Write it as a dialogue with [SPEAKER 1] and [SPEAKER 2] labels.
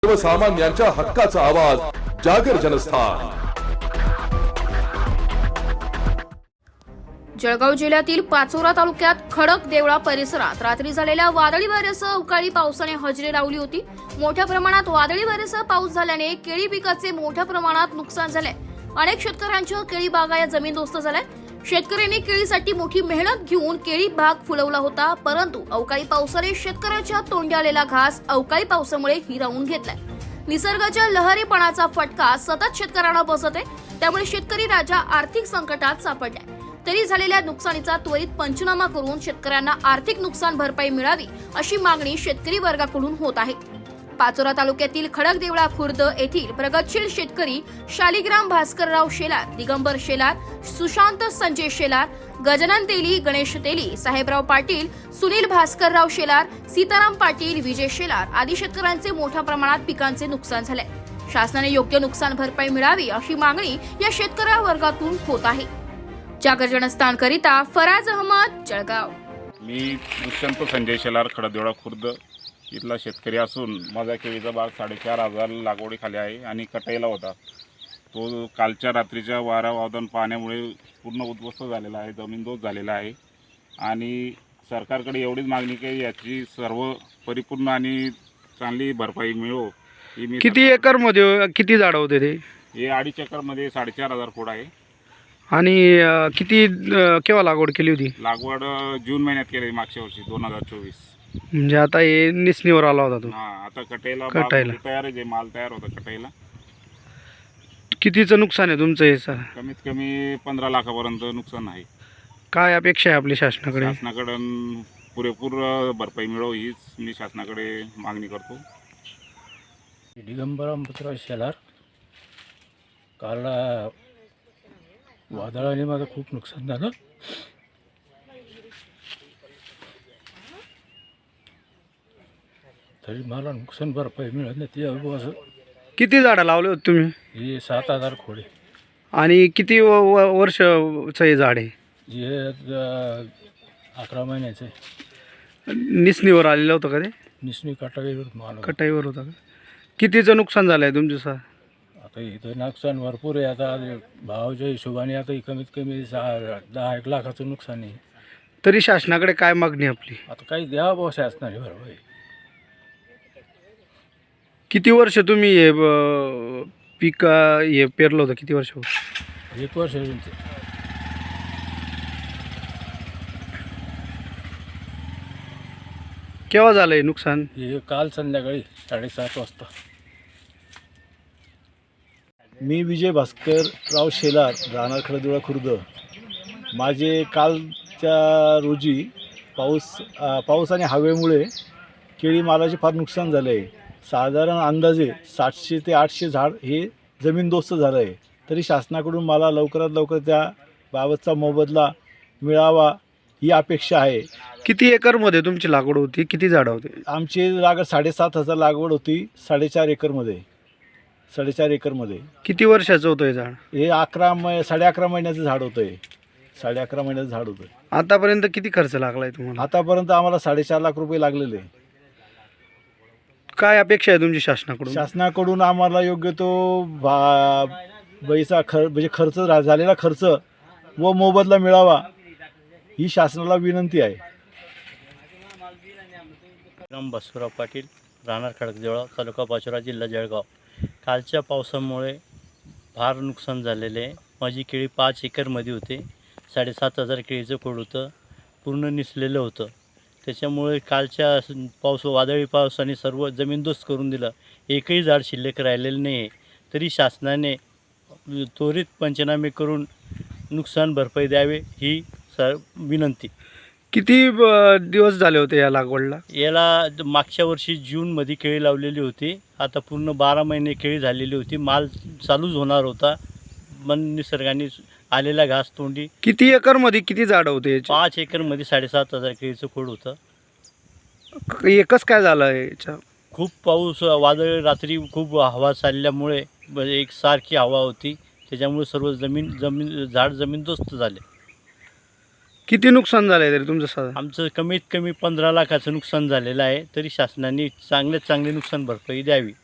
[SPEAKER 1] सर्वसामान्यांच्या हक्काचा आवाज जागर जनस्थान।
[SPEAKER 2] जळगाव जिल्ह्यातील पाचोरा तालुक्यात खडक देवळा परिसरात रात्री झालेल्या वादळी वाऱ्यासह अवकाळी पावसाने हजेरी लावली होती। मोठ्या प्रमाणात वादळी वाऱ्यासह पाऊस झाल्याने केळी पिकाचे मोठ्या प्रमाणात नुकसान झाले। अनेक शेतकऱ्यांच्या केळी बागा या जमीनदोस्त झाल्या। शेतकऱ्यांनी केळीसाठी मोठी मेहनत घेऊन केळी बाग फुलवला होता, परंतु अवकाळी पावसाने शेतकऱ्याच्या तोंडी आलेला घास अवकाळी पावसामुळे हिरावून घेतलाय। निसर्गाच्या लहरीपणाचा फटका सतत शेतकऱ्यांना बसत आहे, त्यामुळे शेतकरी राजा आर्थिक संकटात सापडलाय। तरी झालेल्या नुकसानीचा त्वरित पंचनामा करून शेतकऱ्यांना आर्थिक नुकसान भरपाई मिळावी अशी मागणी शेतकरी वर्गाकडून होत आहे। पाचोरा तालुक्यातील खडकदेवळा खुर्द येथील प्रगतशील शेतकरी शालिग्राम भास्करराव शेलार, दिगंबर शेलार, सुशांत संजय शेलार, गजानन तेली, गणेश तेली, साहेबराव पाटील, सुनील भास्करराव शेलार, सीताराम पाटील, विजय शेलार आदी शेतकऱ्यांचे मोठ्या प्रमाणात पिकांचे नुकसान झाले। शासनाने योग्य नुकसान भरपाई मिळावी अशी मागणी या शेतकरी वर्गातून होत आहे। जागर जनस्थान करिता फराज अहमद, जळगाव।
[SPEAKER 3] मी दुष्यंत संजय शेलार, खडकदेवळा खुर्द इथला शेतकरी असून माझा केळीचा बाग 4,500 लागवडीखाली आहे आणि कटाईला होता। तो कालच्या रात्रीच्या वारा वादन पाण्यामुळे पूर्ण उद्ध्वस्त झालेला आहे, जमीनदोस्त झालेला आहे आणि सरकारकडे एवढीच मागणी की याची सर्व परिपूर्ण आणि चांगली भरपाई मिळो ही मी।
[SPEAKER 4] किती एकरमध्ये किती झाडं होते ते?
[SPEAKER 3] हे 2.5 एकरमध्ये 4,500 खोड आहे।
[SPEAKER 4] आणि किती केव्हा लागवड केली होती?
[SPEAKER 3] लागवड जून महिन्यात केली, मागच्या वर्षी 2024।
[SPEAKER 4] म्हणजे आता हे निसणीवर आला होता तो?
[SPEAKER 3] हां, आता कटाईला तयार आहे, माल तयार होता कटाईला।
[SPEAKER 4] कितीचं नुकसान आहे तुमचं हे सर?
[SPEAKER 3] कमीत कमी 15 लाखापर्यंत नुकसान आहे।
[SPEAKER 4] काय अपेक्षा आहे आपली शासनाकडे?
[SPEAKER 3] शासनाकडून पुरेपूर भरपाई मिळो हीच मी शासनाकडे मागणी करतो।
[SPEAKER 5] दिगंबर अमृतराव शेलार, काल वादळाने माझं खूप नुकसान झालं। तरी मला नुकसान भरपाई मिळत नाही ते असं।
[SPEAKER 4] किती झाडं लावले होते तुम्ही?
[SPEAKER 5] हे 7,000 खोडे।
[SPEAKER 4] आणि किती वर्षचं हे झाड आहे?
[SPEAKER 5] हे 11 महिन्याचं आहे।
[SPEAKER 4] निसणीवर आलेलं होतं का ते?
[SPEAKER 5] निसणी कटाईवर माल
[SPEAKER 4] कटाईवर होता का? कितीचं नुकसान झालं आहे तुमचं सर?
[SPEAKER 5] आता इथं नुकसान भरपूर आहे। आता भावाच्या हिशोबाने आता कमीत कमी 10-1 लाखाचं नुकसान आहे।
[SPEAKER 4] तरी शासनाकडे काय मागणी आपली?
[SPEAKER 5] आता काही द्यावं भाऊ शासनाने भरपाई।
[SPEAKER 4] किती वर्ष तुम्ही हे पीक हे पेरलं होतं? किती वर्ष?
[SPEAKER 5] 1 वर्ष।
[SPEAKER 4] केव्हा झालं हे नुकसान?
[SPEAKER 5] हे काल संध्याकाळी 7:30 वाजता।
[SPEAKER 6] मी विजय भास्करराव शेलार, राहणार खडकदेवळा खुर्द। माझे कालच्या रोजी पाऊस आणि हवेमुळे केळी मालाचे फार नुकसान झाले आहे। साधारण अंदाजे 700 ते 800 झाड हे जमीनदोस्त झालं आहे। तरी शासनाकडून मला लवकरात लवकर त्या बाबतचा मोबदला मिळावा ही अपेक्षा आहे।
[SPEAKER 4] किती एकरमध्ये तुमची लागवड होती? किती झाडं होती?
[SPEAKER 6] आमची लागवड 7,500 लागवड होती, 4.5 एकरमध्ये। 4.5 एकरमध्ये
[SPEAKER 4] किती वर्षाचं होतं हे झाड?
[SPEAKER 6] हे 11.5 महिन्याचं झाड होतं। हे 11.5 महिन्याचं झाड होतं।
[SPEAKER 4] आतापर्यंत किती खर्च लागलाय तुम्हाला?
[SPEAKER 6] आतापर्यंत आम्हाला 4.5 लाख रुपये लागलेले आहे।
[SPEAKER 4] काय अपेक्षा आहे तुमची शासनाकडून?
[SPEAKER 6] शासनाकडून आम्हाला योग्य तो पैसा म्हणजे खर्च झालेला खर्च व मोबदला मिळावा ही शासनाला विनंती आहे।
[SPEAKER 7] राम बसवराव पाटील, राहणार खडकदेवळा, तालुका पाचोरा, जिल्हा जळगाव। कालच्या पावसामुळे फार नुकसान झालेले आहे। माझी केळी 5 एकरमध्ये होते। 7,500 केळीचं खोड होतं, पूर्ण निसलेलं होतं। त्याच्यामुळे कालच्या वादळी पावसाने सर्व जमीनदोस्त करून दिलं। एकही झाड शिल्लक राहिलेलं नाही आहे। तरी शासनाने त्वरित पंचनामे करून नुकसान भरपाई द्यावे ही विनंती।
[SPEAKER 4] किती दिवस झाले होते या लागवडला?
[SPEAKER 7] याला मागच्या वर्षी जूनमध्ये केळी लावलेली होती। आता पूर्ण 12 महिने केळी झालेली होती, माल चालूच होणार होता, पण निसर्गाने आलेला घास तोंडी।
[SPEAKER 4] किती एकरमध्ये किती झाडं होते?
[SPEAKER 7] 5 एकरमध्ये 7,500 केळीचं खोड होतं।
[SPEAKER 4] एकच काय झालं याच्या?
[SPEAKER 7] खूप पाऊस, वादळ, रात्री खूप हवा चालल्यामुळे एकसारखी हवा होती, त्याच्यामुळे सर्व झाड जमीनदोस्त झाले।
[SPEAKER 4] किती नुकसान झालं आहे तरी तुमचं साधारण?
[SPEAKER 7] आमचं कमीत कमी 15 लाखाचं नुकसान झालेलं आहे। तरी शासनाने चांगले नुकसान भरपाई द्यावी।